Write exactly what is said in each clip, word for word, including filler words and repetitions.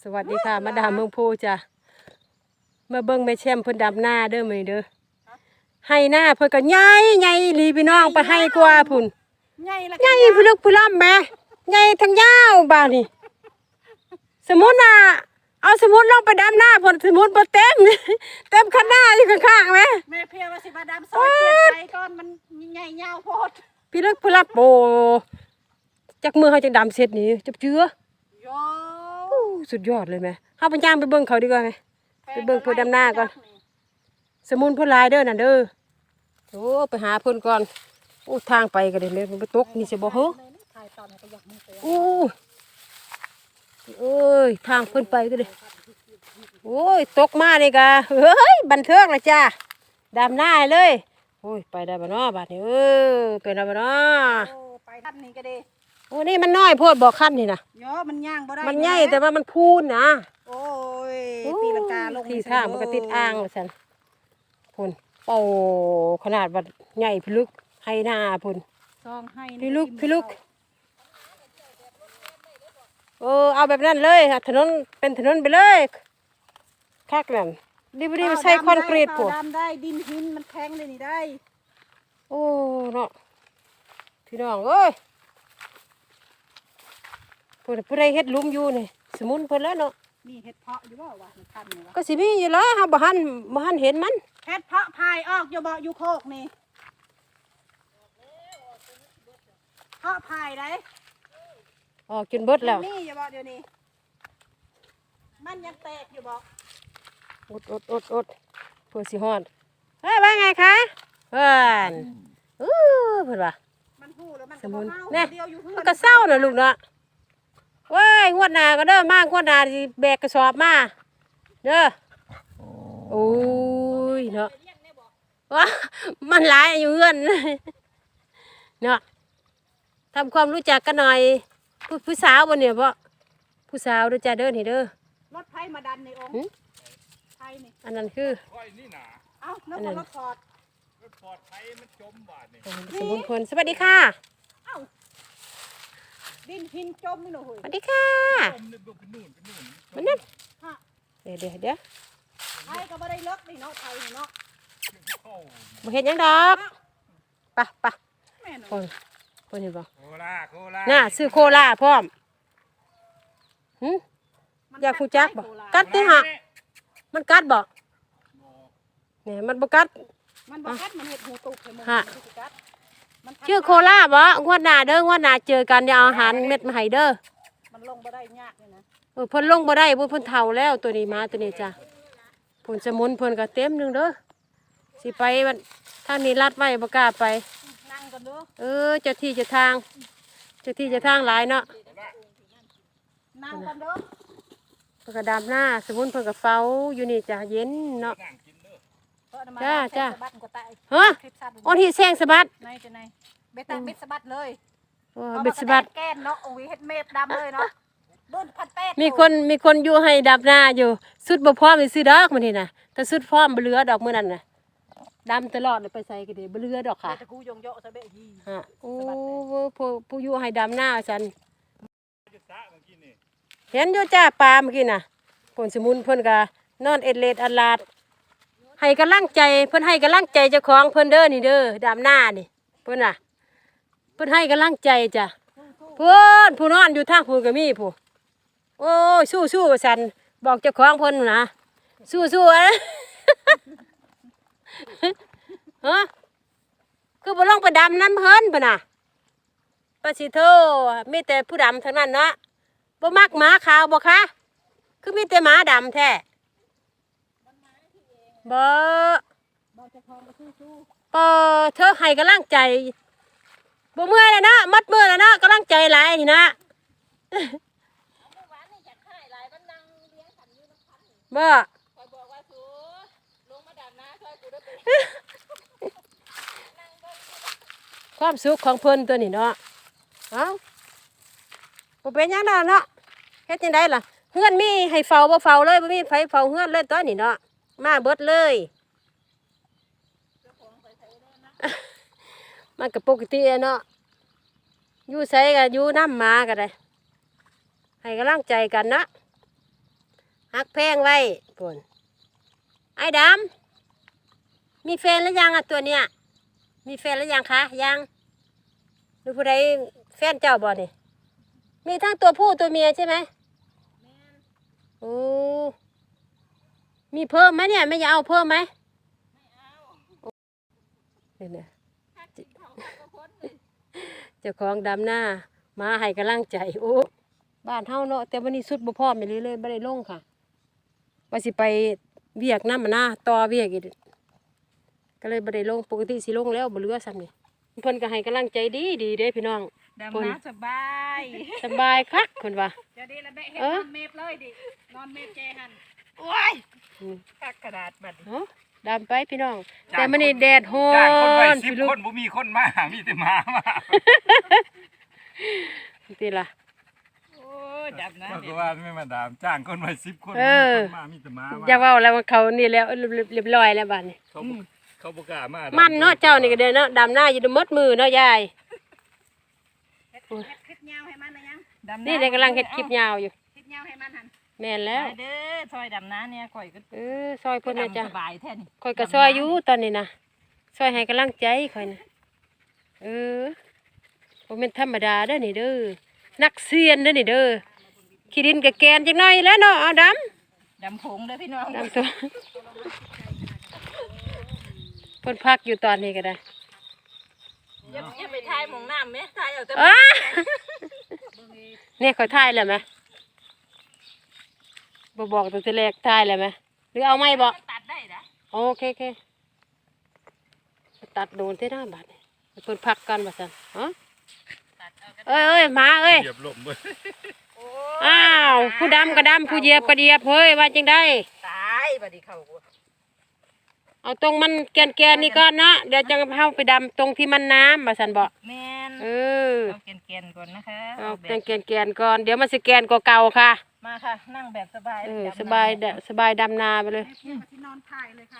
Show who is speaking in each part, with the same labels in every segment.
Speaker 1: สวัสดีค่ะมาดามเมืองโพจ้ะมาเบิ้งแม่แช่มเพิ่นดำหน้าเด้อมื้อนี้เด้อให้หน้าเพิ่นก็ใหญ่ใหญ่อีหลีพี่น้องไปให้กว่าพุ่น
Speaker 2: ใหญ่ละ
Speaker 1: ใหญ่พี่ลึกพี่ล่ำแม่ใหญ่ทั้งยาวบาดนี้สมมุติน่ะเอาสมมุติลงไปดำหน้าเพิ่นสมมุติบ่เต็มเต็มคันหน้าอยู่ข้างๆแม่
Speaker 2: แม่เพียว่าสิมาดำซอยเปลี่ยนใจก่อนมันใหญ่ยาวโพด
Speaker 1: พี่ลึกพี่ล่ำโอ้จักมือเฮาจังดำเสร็จนี่จับเจือ
Speaker 2: โย
Speaker 1: สุดยอดเลยแม่เฮาไปย่างไปเบิ่งเขาดีกว่าแม่ไปเบิ่งเพิ่นดำหน้าก่อนสมุนเพิ่นลายเด้อน่ะเด้อโอ้ไปหาเพิ่นก่อนโอ้ทางไปก็ได้แม่มันไปตกนี่สิบ่เฮ้อโอ้เอ้ยทางเพิ่นไปก็ได้โอ้ยตกมานี่กะเฮ้ยบันเทิงละจ้าดำหน้าเลยโอ้ยไปได้บ่เนาะบาดนี้เออไปได้บ่เนาะ
Speaker 2: โอ้ไปทันนี่ก็ดี
Speaker 1: โอ้นี่มันน้อยโพดบ่คันนี่น่ะ
Speaker 2: โยมันย่างบ่ได้
Speaker 1: มันใหญ่แต่ว่ามันพูนนะ
Speaker 2: โอ้ยตีลังกาลง
Speaker 1: ที่ทางมันก็ติดอ่างว่าซั่นพุ่นเป่าขนาดว่าใหญ่พิลึกให้หน้าพุ่น
Speaker 2: ซองให้
Speaker 1: พิลึกพิลึกเออเอาแบบนั้นเลยถนนเป็นถนนไปเลยคักนั่นดิบดิบใส่คอนกรีตพวก
Speaker 2: ดำได้ดินหินมันแข็งเลยนี่ได้
Speaker 1: โอ้เนาะพี่น้องเอ้ยผู้ผู้ใดเฮ็ดลุมอยู่นี่สมุนเพิ่นแล้วเนาะ
Speaker 2: นี่เฮ็ดเพาะอยู่บ่วะมันคันนี่วะ
Speaker 1: ก็สิมีอยู่แล้วเฮาบ่หันบ่หันเห็นมัน
Speaker 2: เฮ็ดเพาะพายออกอยู่บ่อยู่โคกนี่เพาะพายได้
Speaker 1: ออกจนเบิดแล้ว
Speaker 2: นี่อย่าบ่เดี๋ยวนี้มันยังแตกอยู่บ่
Speaker 1: อดอดอดอดเพื่อสิฮอดเฮ้ยว่าไงคะเพิ่นอู้เพิ่นว่า
Speaker 2: มันฮู้แล้วมันก็บ่เฮา
Speaker 1: เนี่ย
Speaker 2: เดียวอยู่เฮือน
Speaker 1: มันก็เศร้าน่ะลูกเนาะเว้ยงวดหน้าก็เด้อมางวดหน้าสิแบกกระสอบมาเด้อโอ้ยเนาะว้ามันหลายอยู่เฮือนเนาะทำความรู้จักกันหน่อยผู้ผู้สาวบ่เนี่ยบ่ผู้สาวเด้อจ้าเด้อนี่เด้อ
Speaker 2: รถไฟมาดันในองค์ไฟนี่
Speaker 1: อันนั้นคือ
Speaker 2: เอ้าแล้วก็รถฟอร์ด
Speaker 3: รถฟอร์ดไฟมันจมบาดนี่
Speaker 1: สมบูรณ์ผลสวัสดีค่ะ
Speaker 2: เอ้าดินหินจมนี่หนู
Speaker 1: สวัสดีค่ะมันนั่นเดี๋ยวเดี๋ยวเดี๋ยว
Speaker 2: ไฟก็บ่ได้เลิกนี่เนาะไฟนี่เนาะ
Speaker 1: บ่เห็นยังดอกปะปะคนคนเห็นบ่
Speaker 3: โคล่าโคล่า
Speaker 1: น่าซื้อโคล่าพร้อมหึอยากฟูจักบ่กัดติฮะมันกัดบ่เนี่ยมันบ่กัด
Speaker 2: มันบ่กัดมันเห็ดหูตุกเลย
Speaker 1: ฮะชื่อโคล่าบ่งวดหน้าเด้องวดหน้าเจอกันอย่าเอาอาหารเม็ดมาให้เด้อ
Speaker 2: มันลงบ่ได้ยากเลยนะ
Speaker 1: เออเพิ่นลงบ่ได้เพิ่นเฒ่าแล้วตัวนี้มาตัวนี้จ้ะผลสมุนเพิ่นก็เต็มนึงเด้อสิไปมันทางนี้ลัดไว้บ่กล้าไป
Speaker 2: นั่งกันเด้อ
Speaker 1: เออเจ้าที่เจ้าทางเจ้าที่เจ้าทางหลายเนาะ
Speaker 2: นั่งกันเด้อ
Speaker 1: เพิ่นก็ดำหน้าสมุนเพิ่นก็เฝ้าอยู่นี่จ้ะเย็นเนาะจ้าจ้าฮะอ้นที่แซงสะบัด
Speaker 2: ในจะในเบ็ดเบ็ดสะบัดเลย
Speaker 1: โอ้เบ็ดสะบัด
Speaker 2: แก้นเนาะโอ้ยเฮ็ดเมฟดำเลยเนาะบุญพันแปด
Speaker 1: มีคนมีคนอยู่ให้ดำหน้าอยู่สุดบ่พร้อมสิซื้อดอกมื้อนี้น่ะแต่สุดพร้อมบ่เหลือดอกมื้อนั้นน่ะดำตลอดเลยไปใส่ก็ได้บ่เหลือดอกค่ะ
Speaker 2: แต่กูยงเยาะซะเบ้ยี
Speaker 1: ฮะโอ้ผู้ผู้อยู่ให้ดำหน้าซั่นเห็นอยู่จ้าปลาเมื่อกี้น่ะผลสมุนเพิ่นก็นอนเอ็ดเลดอัลลาดให้กำลังใจเพิ่นให้กำลังใจเจ้าของเพิ่นเด้อนี่เด้อดำหน้านี่เพิ่นน่ะเพิ่นให้กำลังใจจ้ะเพิ่นผู้นอนอยู่ทางผู้ก็มีผู้โอ้ยสู้ๆว่าซั่นบอกเจ้าของเพิ่นนะสู้ๆอะฮะคือบ่ลงไปดำน้ำเพิ่นพุ่นน่ะปะสิโทมีแต่ผู้ดำทั้งนั้นเนาะบ่มักหมาขาวบ่คะคือมีแต่หมาดำแท้บ่ปอเธอให้กำลังใจบ่เมื่อยแล้วนะมัดมือแล้วนะกำลังใจหลายนี่นะบ่ความสุขของเพิ่นตัวนี้เนาะเอ้าบ่เป็นหยังดอกเนาะเฮ็ดจังได๋ล่ะเฮือนมีให้เฝ้าบ่เฝ้าเลยบ่มีไผเฝ้าเฮือนเลยตอนนี้เนาะมาเบิดเลยมันก็ปกติเนาะอยู่ไสก็อยู่น้ำหมาก็ได้ให้กำลังใจกันนะฮักแพงไว้ปุ่นไอ้ดำมีแฟนแล้วยังอ่ะตัวเนี้ยมีแฟนแล้วยังคะยังหรือผู้ใดแฟนเจ้าบ่นี่มีทั้งตัวผู้ตัวเมียใช่ไหมโอ้มีเพิ่มไหมเนี่ยไม่อยากเอาเพิ่มไหมเนี่ยนะเจ้าของดำหน้ามาให้กำลังใจโอ้บ้านเฮาเนาะแต่วันนี้สุดบ่พร้อมไปเลยเลยบ่ได้ลงค่ะว่าสิไปเวียกน้ำมันหน้าต่อเวียกอีกก็เลยบ่ได้ลงปกติสิลงแล้วบ่เหลือซ้ำนี่เพิ่นก็ให้กำลังใจดีดีเด้พี่น้อง
Speaker 2: ดำน้ำสบาย
Speaker 1: สบายคักเพิ่นว่า
Speaker 2: จะได้ละแม่เฮ็ด
Speaker 1: เออ
Speaker 2: นอนเมฟเลยดินอนเมฟแจหันโอ้ย
Speaker 1: อืม
Speaker 2: กักกระดาษบัดนี้
Speaker 1: เอ้าดำไปพี่น้อง แต่มื้อนี้แดดร้อ
Speaker 3: จ้างคนไว้
Speaker 1: น
Speaker 3: สิบ
Speaker 1: พี่ลูก
Speaker 3: คนบ่มีคนมามีแต่หมามา
Speaker 1: ติล่ะ
Speaker 2: โอ้ยดำน้ำ
Speaker 3: ก็ว่าไม่มาดามจ้างคนไว้สิบคน
Speaker 1: เออ
Speaker 3: บ่มีคนมามีแต่หมามา
Speaker 1: อย่าเว้าแล้วว่าเขานี่แล้วเรียบร้อยแล้วบัดนี้
Speaker 3: เขาบ่เขาบ่กล้ามา
Speaker 1: มั
Speaker 3: มัน
Speaker 1: เนาะเจ้านี่ก็เด้อเนาะดำหน้าอยู่มดมือเนาะยาย
Speaker 2: เฮ็ดเฮ็ดคลิปยาวให้มันนะยังดำ
Speaker 1: นี่เด็กกำลังเฮ็ดคลิปยาวอยู่
Speaker 2: คลิปยาวให้มันหัน
Speaker 1: แม่นแล้ว
Speaker 2: ไปเด้อซอยดำน้ำเนี่ยก่อยก็
Speaker 1: เออซอยเพิ่นน่ะจ้ะ
Speaker 2: สบายแท้นี่
Speaker 1: ข่อยก็ซอยอยู่ตอนนี้นะซอยให้กำลังใจข่อยนะเออบ่แม่นธรรมดาเด้อนี่เด้อนักเซียนเด้อนี่เด้อขี้ดินกับแกนจักหน่อยแล้วเนาะเอาดำ
Speaker 2: ดำผงเด้อพี่น้อง
Speaker 1: ดำตัวเพิ่นพักอยู่ตอนนี้ก็ได้
Speaker 2: อย่าอย่าไปทายหมองน้ำไหมทายเอาแต่
Speaker 1: อ้าเนี่ยข่อยถ่ายแล้วไหมบ่บอกตั้งแต่แรกถ่ายแล้วไหมหรือเอาไม่บ่
Speaker 2: ตัดได้นะ
Speaker 1: โอเคโอเคตัดโดนที่หน้าบาดนี่เพิ่นพักกันว่าซั่นฮะ
Speaker 2: ตัดเอาก็
Speaker 1: เอ้ยเอ้ยหมาเอ้ย
Speaker 3: เหยียบลมเว้ย
Speaker 2: โอ้
Speaker 1: อ้าวผู้ดำก็ดำผู้เหยียบก็เหยียบเฮ้ยว่าจังได้
Speaker 2: ตายบัดนี้เข้ากู
Speaker 1: เอาตรงมันแกนแกนๆนี่ก่อนเนาะเดี๋ยวจะเข้าไปดำตรงที่มันน้ำมาสันบอก
Speaker 2: แม่น
Speaker 1: เออ
Speaker 2: เอาแกนๆก่อนนะคะ
Speaker 1: เอา
Speaker 2: แบ
Speaker 1: แกน
Speaker 2: บ
Speaker 1: แกนแกนๆก่อนเดี๋ยวมันสแกนกว่าเก่าค่ะ
Speaker 2: มาค่ะนั่งแบบสบาย
Speaker 1: เออ
Speaker 2: ดำน้ำ
Speaker 1: สบายเด้อสบายดำนาไปเลย
Speaker 2: ที่นอนถ่ายเลยค่ะ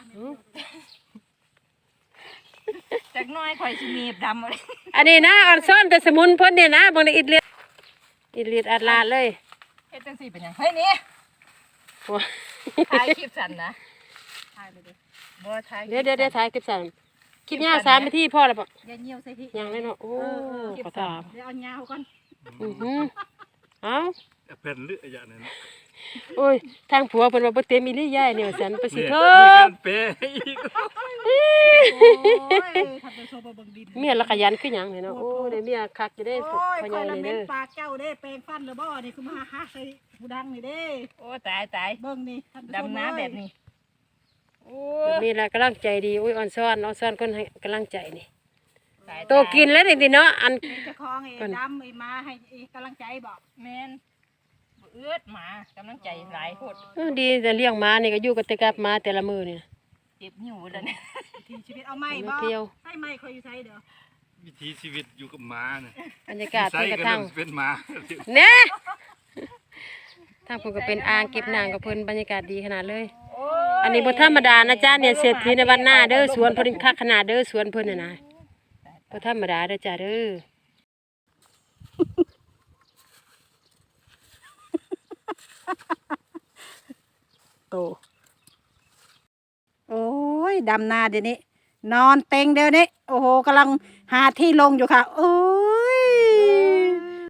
Speaker 2: จากน้อยข่อยสิมีบดำเลย
Speaker 1: อันนี้นะอ่อนซ่อนแต่สมุนเพ่นเนี่ยนะบางทีอิดเลียดอิดเลียดอัดลาดเลย
Speaker 2: เฮ็ดจังซี่เป็นหยังเฮ้ยนี่
Speaker 1: โอ้
Speaker 2: ถ่ายคลิปสั่นนะถ่ายเลยดิบ่ถ่าย
Speaker 1: เดี๋ยวเดี๋ยวเดี๋ยวถ่ายคลิปสั่นคลิปยาวสามนาทีพ่อแล้วปะ
Speaker 2: อย่าเหี่ยวใส่พี่
Speaker 1: ยังเลยเนาะโอ้ขอถาม
Speaker 2: เดี๋ยวเอายาวก่อน
Speaker 1: อือหือเอา
Speaker 3: เพิ่นเลือดอย่างนั้น
Speaker 1: โอ้ยทางผัวเพิ่นว่าบ่เต็มอีหลียายเนี่ยว่าซั่นไปสิ
Speaker 3: เนี่ย
Speaker 1: เถ
Speaker 3: มี
Speaker 1: อะ
Speaker 3: การเปย์อีก
Speaker 2: โอ้ยทำเป็นโซบะเบิ่งดิน
Speaker 1: เมียละขยันคือหยังเนี่ยเนาะโอ้ได้เมียคักจะได้
Speaker 2: โอ้ย
Speaker 1: พ่อ
Speaker 2: ค
Speaker 1: ใหญ่
Speaker 2: อยละ
Speaker 1: นี่
Speaker 2: เม็
Speaker 1: เด้
Speaker 2: น
Speaker 1: อ
Speaker 2: ปากเจ้าเด้แปลงฟันหรือบ่นี่คือมาหาใส่ผู้ดังนี่เด้โอ้ตายตายเบิ่งนี่ดำน้ำแบบนี้โอ้
Speaker 1: นี่แหละกำลังใจดีอุ้ยอ่อนซ้อนอ่อนซ้อนคนให้กำลังใจนี่
Speaker 2: ตาย
Speaker 1: โตกินแล้วจริงๆเนาะอัน
Speaker 2: เป็นเจ้าของไอ้ดำไอ้มาให้ไอ้กำลังใจบอกแม่นบ่เอื้อดหมากำลังใจหลายโพด
Speaker 1: เออดีแต่เลี้ยงหมานี่ก็อยู่กับแต่กับหมาแต่ละมือนี่นะ
Speaker 2: เจ็บหิวแล้วเนี่ยทีชีวิตเอาไม้
Speaker 1: เอา
Speaker 2: บ่
Speaker 1: มาเที่ยว
Speaker 2: ให้ไม้คอยอยู่ใช้เด้อ
Speaker 3: วิถีชีวิตอยู่กับหมาเนี่ย
Speaker 1: บรรยากาศ
Speaker 3: ใส่
Speaker 1: เพิ่นก
Speaker 3: ก็
Speaker 1: ระทั่ง
Speaker 3: เริ่มเป็นหมา
Speaker 1: เนี่ยทางเพิ่นก็เป็นอ่างเก็บน้ำกับเพิ่นบรรยากาศดีขนาดเลย
Speaker 2: โอ้
Speaker 1: อันนี้บ่ธรรมดานะจ๊ะเนี่ยเศรษฐีในวันหน้าเด้อสวนเพิ่นคักขนาดเด้อสวนเพิ่นน่ะนะบ่ธรรมดาเด้อจ้าเด้อ
Speaker 2: โตโอ้ยดำนาเดี๋ยวนี้ นอนเต็งเดี๋ยวนี้โอ้โหกำลังหาที่ลงอยู่ค่ะ โอ้